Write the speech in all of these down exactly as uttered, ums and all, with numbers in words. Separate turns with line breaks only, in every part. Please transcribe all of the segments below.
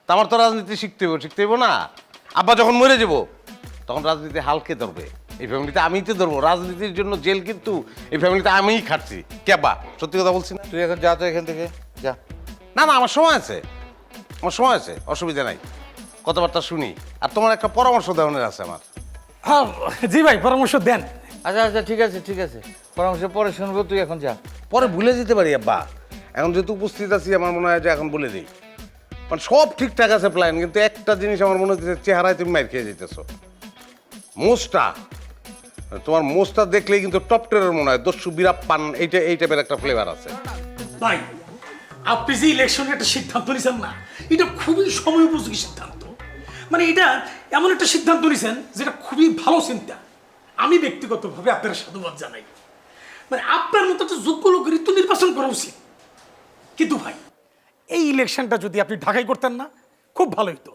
তা আমার তো রাজনীতি শিখতে হইব শিখতে হইব না। আব্বা যখন মরে যাব তখন রাজনীতি হালকে ধরবে, এই ফ্যামিলিতে আমিই তো ধরবো। রাজনীতির জন্য জেল কিন্তু এই ফ্যামিলিতে আমিই খাটছি। কে আব্বা সত্যি কথা বলছি না?
তুই এখন যা তো এখান থেকে যা।
না না আমার সময় আছে, আমার সময় আছে, অসুবিধা নাই, কথাবার্তা শুনি। আর তোমার একটা পরামর্শ দেওয়ার আছে আমার।
হ্যাঁ জি ভাই, পরামর্শ দেন।
আচ্ছা আচ্ছা ঠিক আছে ঠিক আছে, পরামর্শ পরে শুনবো, তুই এখন যা।
পরে ভুলে যেতে পারি আব্বা, এখন যেহেতু উপস্থিত আছি আমার মনে হয় যে এখন বলে দিই। মানে সব ঠিকঠাক আছে প্ল্যান, কিন্তু একটা জিনিস আমার মনে হচ্ছে চেহারায় তুমি মার খেয়ে যেতেছো। মোষটা, তোমার মোষটা দেখলেই কিন্তু টপ টেরের মনে হয় দস্যু বিরাপ পান, এইটা এই টাইপের একটা ফ্লেভার আছে।
ভাই আপনি যে ইলেকশনের একটা সিদ্ধান্ত নিয়েছেন না, এটা খুবই সময় উপযোগী সিদ্ধান্ত। মানে এটা এমন একটা সিদ্ধান্ত নিয়েছেন যেটা খুবই ভালো চিন্তা। আমি ব্যক্তিগতভাবে আপনার সাধুবাদ জানাই। মানে আপনার মতো একটা যোগ্য লোকের ঋতু নির্বাচন করা উচিত। কিন্তু ভাই এই ইলেকশনটা যদি আপনি ঢাকায় করতেন না, খুব ভালো হতো।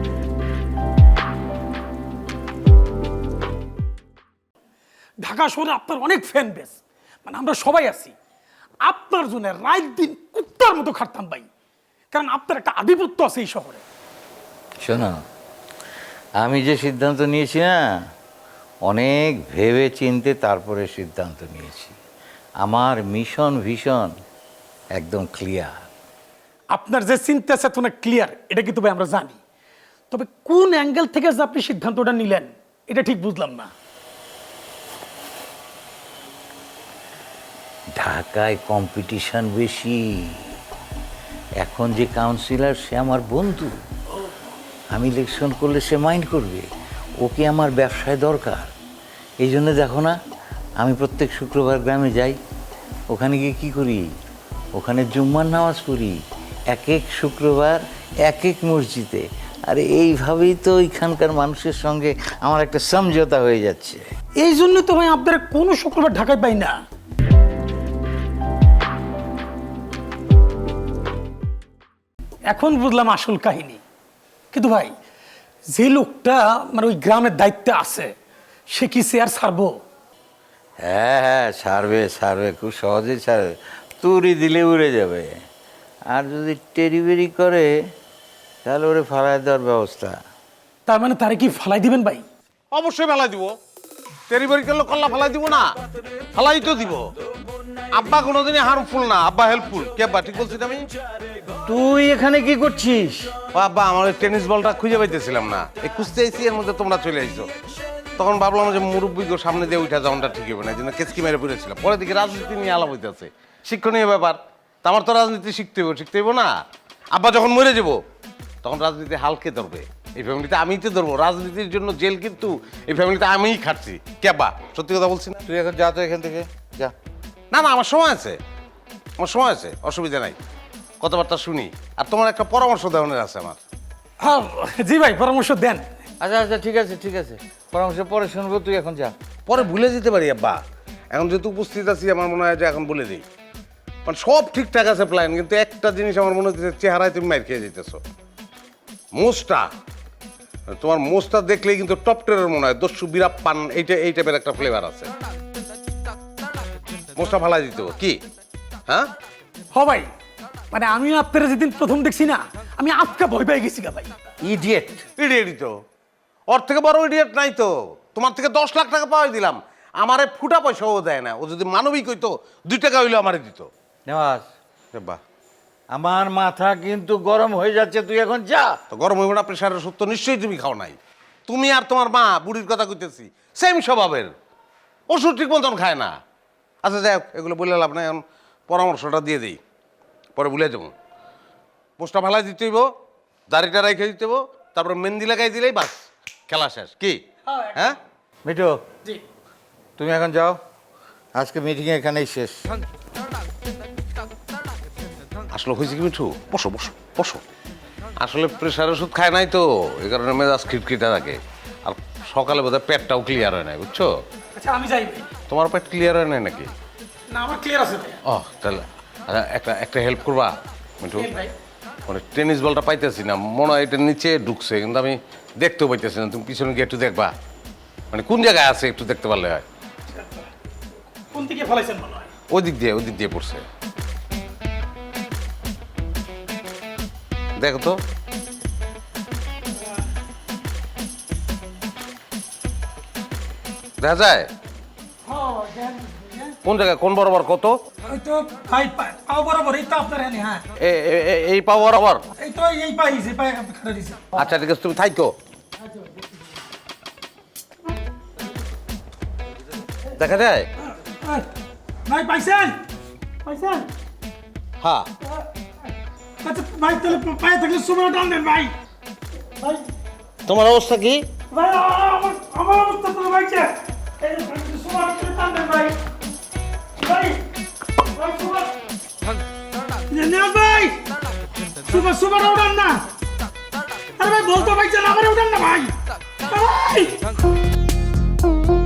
ঢাকা শহরে আপনার অনেক ফ্যান বেস, মানে আমরা সবাই আছি। আপনার জন্য রাত দিন কুত্তার মতো খাটতাম ভাই, কারণ আপনার একটা আধিপত্য আছে এই শহরে।
শোনো, আমি যে সিদ্ধান্ত নিয়েছি না, অনেক ভেবে চিনতে তারপরে সিদ্ধান্ত নিয়েছি। আমার মিশন ভিশন একদম ক্লিয়ার।
আপনার যে চিন্তা চেতনা ক্লিয়ার, এটা কিন্তু ভাই আমরা জানি। তবে কোন অ্যাঙ্গেল থেকে যে আপনি সিদ্ধান্তটা নিলেন এটা ঠিক বুঝলাম না।
ঢাকায় কম্পিটিশন বেশি। এখন যে কাউন্সিলর সে আমার বন্ধু, আমি ইলেকশন করলে সে মাইন্ড করবে, ওকে আমার ব্যবসায় দরকার। এই জন্য দেখো না, আমি প্রত্যেক শুক্রবার গ্রামে যাই। ওখানে গিয়ে কী করি, ওখানে জুম্মার নামাজ পড়ি এক এক শুক্রবার এক এক মসজিদে। আর এইভাবেই তো ওইখানকার মানুষের সঙ্গে আমার একটা সমঝোতা হয়ে যাচ্ছে।
এই জন্য তো ভাই আপনারা কোনো শুক্রবার ঢাকায় পাই না। এখন বুঝলাম আসল কাহিনী। কিন্তু ভাই যে লোকটা মানে ওই গ্রামের দায়িত্বে আছে, সে কি চেয়ার ছাড়বো?
হ্যাঁ হ্যাঁ ছাড়বে ছাড়বে, খুব সহজেই ছাড়বে। তুড়ি দিলে উড়ে যাবে। আর যদি টেরিবেরি করে তাহলে ওরে ফালায় দেওয়ার ব্যবস্থা।
তার মানে তারে কি ফালাই দিবেন ভাই?
অবশ্যই ফেলাই দিব, তেরিবারি করলে কল্লা ফেলাই দিব না, ফেলাই তো দিব। আব্বা কোনোদিনই হার্মফুল না, আব্বা হেল্পফুল। কে আব্বা ঠিক বলছি আমি?
তুই এখানে কি করছিস?
ও আব্বা, আমার ওই টেনিস বলটা খুঁজে পাইতেছিলাম না, এই খুঁজতে আইসি, এর মধ্যে তোমরা চলে আইছো। তখন ভাবলাম যে মুরব্বীকে সামনে দিয়ে উঠা যাওয়াটা ঠিক হবে না, এই জন্য কেসকি মেরে পড়েছিলাম। পরে দিকে রাজনীতি নিয়ে আলাপ হইতেছে, শিক্ষণীয় ব্যাপার। তা আমার তো রাজনীতি শিখতে হইব শিখতে হইব না। আব্বা যখন মরে যাব তখন রাজনীতি হালকে ধরবে, এই ফ্যামিলিতে আমিই তো ধরবো। রাজনীতির জন্য জেল কিন্তু এই ফ্যামিলিতে আমিই খাটছি। কে আব্বা সত্যি কথা বলছি না?
তুই এখন যা তো এখান থেকে যা।
না না আমার সময় আছে, আমার সময় আছে, অসুবিধা নাই, কথাবার্তা শুনি। আর তোমার একটা পরামর্শ দেওয়ার আছে আমার।
হ্যাঁ জি ভাই, পরামর্শ দেন।
আচ্ছা আচ্ছা ঠিক আছে ঠিক আছে, পরামর্শ পরে শুনবো, তুই এখন যা।
পরে ভুলে যেতে পারি আব্বা, এখন যেহেতু উপস্থিত আছি আমার মনে হয় যে এখন বলে দিই। মানে সব ঠিকঠাক আছে প্ল্যান, কিন্তু একটা জিনিস আমার মনে হচ্ছে চেহারায় তুমি মার খেয়ে যেতেছো। মোষটা, তোমার মোষটা দেখলেই কিন্তু টপ টেরের মনে হয় দস্যু বিরাপ পান, এইটা এই টাইপের একটা ফ্লেভার আছে। মোষটা ফালাই দিতে হবে কি? হ্যাঁ
হ ভাই, মানে আমিও আপনারা যেদিন প্রথম দেখছি না, আমি আজকা ভয় পেয়ে গেছি গা ভাই।
ইডিয়েট, ইডিয়েটই তো। ওর থেকে বড় ইডিয়েট নাই তো। তোমার থেকে দশ লাখ টাকা পাওয়াই দিলাম, আমারে ফুটা পয়সাও দেয় না। ও যদি মানবিক হইতো দুই টাকা হইলে আমারে দিত।
নেওয়াজ,
বাহ,
আমার মাথা কিন্তু গরম হয়ে যাচ্ছে, তুই এখন যা।
তো গরম হইব না? প্রেশারের ওষুধ তো নিশ্চয়ই তুমি খাও নাই। তুমি আর তোমার মা, বুড়ির কথা কইতেছি, সেম স্বভাবের, ওষুধ ঠিক মতন খায় না। আচ্ছা যাই হোক, এগুলো বলে লাভ নাই, এখন পরামর্শটা দিয়ে দিই, পরে ভুলে যাবো। পোস্টটা ফালাই দিতে হইব, দাড়িটা রেখে দিতে হইব, তারপরে মেহেন্দি লাগাই দিলেই বাস, খেলা শেষ। কি হ্যাঁ
মিঠু,
জি
তুমি এখন যাও, আজকে মিটিং এখানেই শেষ।
আসলে হয়েছে কি মিঠু, বসো বসো বসো। আসলে প্রেশার ওষুধ খায় নাই তো, এই কারণে মেজাজ খিটখিটা থাকে। আর সকালে বোধহয় পেটটাও ক্লিয়ার হয় নাই, বুঝছো?
আচ্ছা আমি যাই ভাই।
তোমার পেট ক্লিয়ার হয় নাই নাকি?
না আমার ক্লিয়ার আছে ভাই।
ও তাহলে আচ্ছা, একটা একটা হেল্প করবা মিঠু?
কেন ভাই?
মানে টেনিস বলটা পাইতেছি না, মনে হয় এটা নিচে ঢুকছে, কিন্তু আমি দেখতেও পাইতেছি না। তুমি পিছনে গিয়ে একটু দেখবা, মানে কোন জায়গায় আছে একটু দেখতে পারলে হয়।
কোন দিকে ফলাইছেন মনে হয়?
ওই দিক দিয়ে ওই দিক দিয়ে পড়ছে, দেখো তো। দেখা যায় কোন জায়গায় কোন বরাবর কত
ওই তো ভাই পা- পাও বরাবর এই তো আপনার এনে হ্যাঁ
এ- এ- এ- এই পাওয়া বরাবর
এই তো এই পাই যে পাই খাটা দিছে
আচ্ছা ঠিক আছে তুমি থাইকো দেখা যায়
এই, ভাই পাইছেন পাইছেন
হ্যাঁ
আচ্ছা ভাই তাহলে পায়ে থাকলে সময় টান দেন ভাই ভাই
তোমার অবস্থা কি
ভাই আ- আ- আমার আমার অবস্থা তো ভাইছে এই সময় টান দেন ভাই ভাই ভাই সময় না ভাই সুপার সুপার উঠান না আরে ভাই বলতো ভাই চাল আমার উঠান না ভাই ভাই